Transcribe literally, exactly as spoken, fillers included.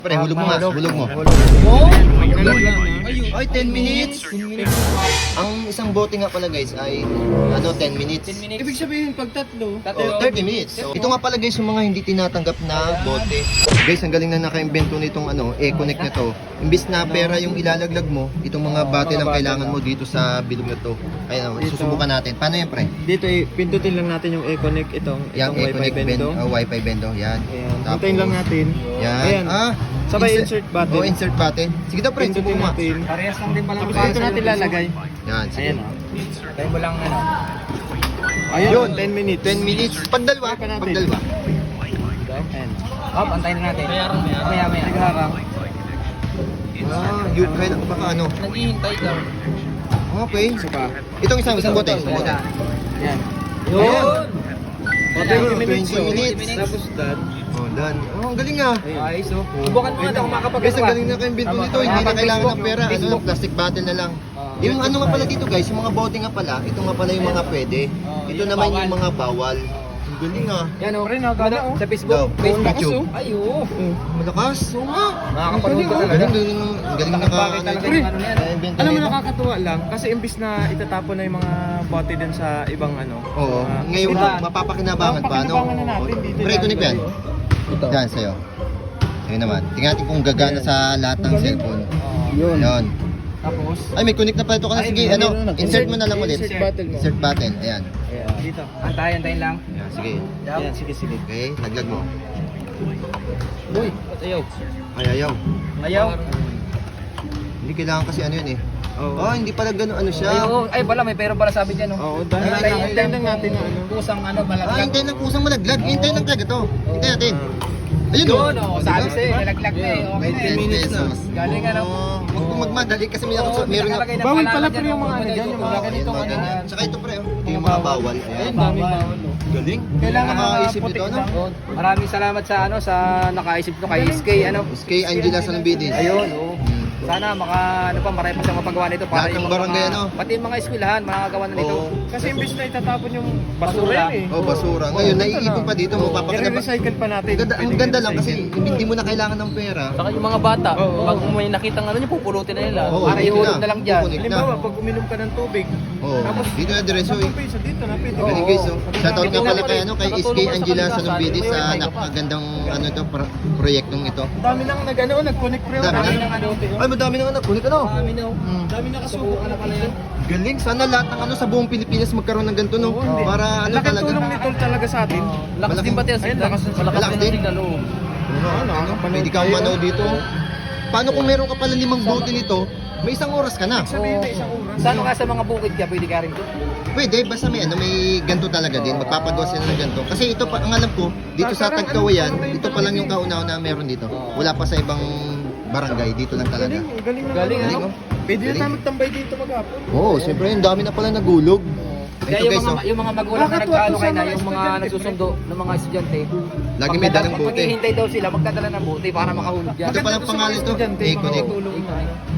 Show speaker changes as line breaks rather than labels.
Pre, hulog mo nga, hulog mo.
Oh!
Ay, ten minutes! Ang isang bote nga pala guys ay ano, ten minutes.
Ibig sabihin, pag tatlo,
Oh, thirty minutes. So, ito nga pala guys yung mga hindi tinatanggap na bote. Guys, ang galing na naka-invento nitong ano, E-Connect na to. Imbis na pera yung ilalaglag mo, itong mga bate lang kailangan mo dito sa bilog na to. Ayun,
Dito.
susubukan natin. Paano yan, pre?
dito eh, pindutin lang natin yung E-Connect itong,
Yang
itong Wi-Fi
E-Connect bendo,
bendo.
oh, Wi-Fi bendo, yan.
Ayan,
Tapos,
hintayin lang natin.
Yan.
Ayan.
Ah,
Sabay insert button.
Oh, insert button. Sige daw, pre,
Pindutin
subukan mo.
natin.
Parehas lang din pala.
Tapos dito natin lalagay.
Yan, sige.
Ayan o.
Tayo mo lang ano.
Ayan,
Yun,
ten minutes.
ten minutes. Pag dalawa,
Try pa natin.
pag dalawa.
Ayan.
Hop, antayin na natin. Maya, maya. Maya,
Nagharang.
Ah, yun, kaya baka ano.
Naghihintay ka.
Okay.
Isa pa.
Itong isang isang bote, isang bote.
Ayan.
Yun.
O,
Ayan,
twenty minutes.
twenty
oh.
minutes.
Tapos done.
Oh, done. Oh, ang galing ah.
Ayos oh. Subukan mo na kung makapag
Guys, ang galing na kayong binto nito. Hindi na kailangan ng pera. Ano lang, plastic bottle na lang. Yung ano nga pala dito guys, yung mga bote nga pala, ito nga pala yung mga pwede. Ito naman yung mga bawal. Ang galing ah.
Yan oh.
Rin, gana oh.
Sa Facebook.
Daw,
Facebook.
YouTube.
Ay oh.
Malakas. Oo nga.
Nakakapanood ka
Ang
talaga.
galing, galing, ang galing naka,
Bakit
ano,
talaga
ito.
yung ano yan?
Na-invento
Alam mo,
nila.
nakakatuwa lang kasi imbis na itatapon na yung mga bote dun sa ibang ano.
Oo.
ah,
Ngayon,
ito,
mapapakinabangan pa, no?
mapapakinabangan na natin dito.
Pre, ito yan.
Ito.
Yan, sa'yo. Sa'yo naman. Tingnan natin kung gagana sa lahat ng cellphone.
Yun.
Yun.
Tapos,
Ay, may connect na pala ito ka na. Sige,
Ay,
ano,
meron na.
insert mo na lang ulit.
Insert button mo.
Insert button. Ayan.
ayan, dito.
Antayin, antayin lang.
Ayan, sige.
Ayan, sige, sige.
Okay, laglag mo.
Uy, ba't ayaw?
Ay, ayaw.
Ayaw?
Hindi kailangan kasi ano yun eh.
Oo.
Oh, hindi pala gano'n ano siya.
Ayaw. Ay, pala, may pero pala sabi dyan oh.
Oo, dahil
Ay,
hintayin
ay,
hintayin lang natin yung ano.
Kusang ano,
Ah,
malaglag.
hintayin ng kusang malaglag. Hintayin lang talaga to. Hintayin natin. Ayun
Yun
oh.
oh, sabi sa'yo, nalaglag na eh. Okay na
ten
eh.
minutes na.
pesos.
Galing ano.
Oh, Huwag mo magmadali kasi may nakasuot. Meron na.
nakalagay na
Bawal
pangalan
pala
dyan,
pre yung
oh.
mga ano dyan, yung mga
Ayan,
ganitong
mga
ano.
ganyan. Tsaka ito pre, oh. Ito yung mga bawal.
Ayan,
Ayan.
daming bawal. oh.
Galing.
Kailangan
Nakaisip
puti
ito, ano?
lang.
Maraming salamat sa ano sa nakaisip nito kay S K ano.
Kay Angela Salambidis.
Ayun, oh.
Hmm.
Sana maka ano pa marami pa siyang mapagawa nito
Lahat ng
yung
barangay,
mga,
ano?
pati yung mga eskwelahan makakagawa na nito.
Oo.
Kasi imbis na itatapon yung
Basura.
basura yun eh.
Oh, basura. Ngayon,
Oo,
naiipon pa dito. Mapapakina pa.
I-recycle pa natin.
Ang ganda, ang
Pwedeng
ganda lang kasi
i-recycle.
hindi mo na kailangan ng pera.
Saka yung mga bata,
Oo.
pag may nakitang ano niyo pupulutin na nila.
Oo,
para
dito
ihulog
na.
na lang diyan.
Pupunin.
Halimbawa, pag uminom ka ng tubig,
Oo.
tapos
Dito na diretso
sa
eh.
piso dito na pwede.
Galing
Oo.
guys, oh. Shoutout nga pala kay ano, kay S K
Nakatulong pa sa
Angela
kanila,
Salambidis
may
sa
wifi ka pa.
napakagandang ano to, pro- proyektong ito.
Dami nang nag-ano, nag-connect pre.
Dami
Dami
na.
nang ano.
Ay, madami nang anak. Kulit ano?
Kami na.
Hmm.
Dami na kasubukan na pala yan.
Galing. Sana lahat ng ano sa buong Pilipinas magkaroon ng ganito, no?
Oo, hindi.
Para ano
Laking
talaga.
tulong nito talaga sa atin.
Lakas din pati ang
Ayun,
signal.
lakas ng-
Malakas
lakas
din
din.
ang signal. oh.
Ano, ano,
nakakapanood
pwede kang
tayo.
manaw dito. Paano kung meron ka pala limang bote nito, may isang oras ka na.
Sabihin na isang oras.
Sa ano ka sa mga bukid ka, pwede ka rin doon.
Pwede, basta may ano, may ganto talaga din. Magpapagawa sila ng ganto. Kasi ito pa, ang alam ko, dito sa Tagkawayan, ito pa lang yung kauna-una na meron dito. Wala pa sa ibang barangay, dito lang talaga.
Galing, galing na.
Galing,
ano.
ano?
Pwede na
Galing.
tayo magtambay dito maghapon.
Oo, oh, siyempre, yung dami na pala nagulog.
Kaya
Ito
yung
guys,
mga,
oh.
yung mga magulang na
Nakakatuwa
nagkaano
to sa
kayo na,
mga
yung mga
estudyante,
nagsusundo ng mga estudyante.
Lagi may dalang
Pag
bote.
maghihintay daw sila, magdadala ng bote para makahulog dyan.
Ito palang pangalan to,
Estudyante,
E-Connect.
makakatulong na.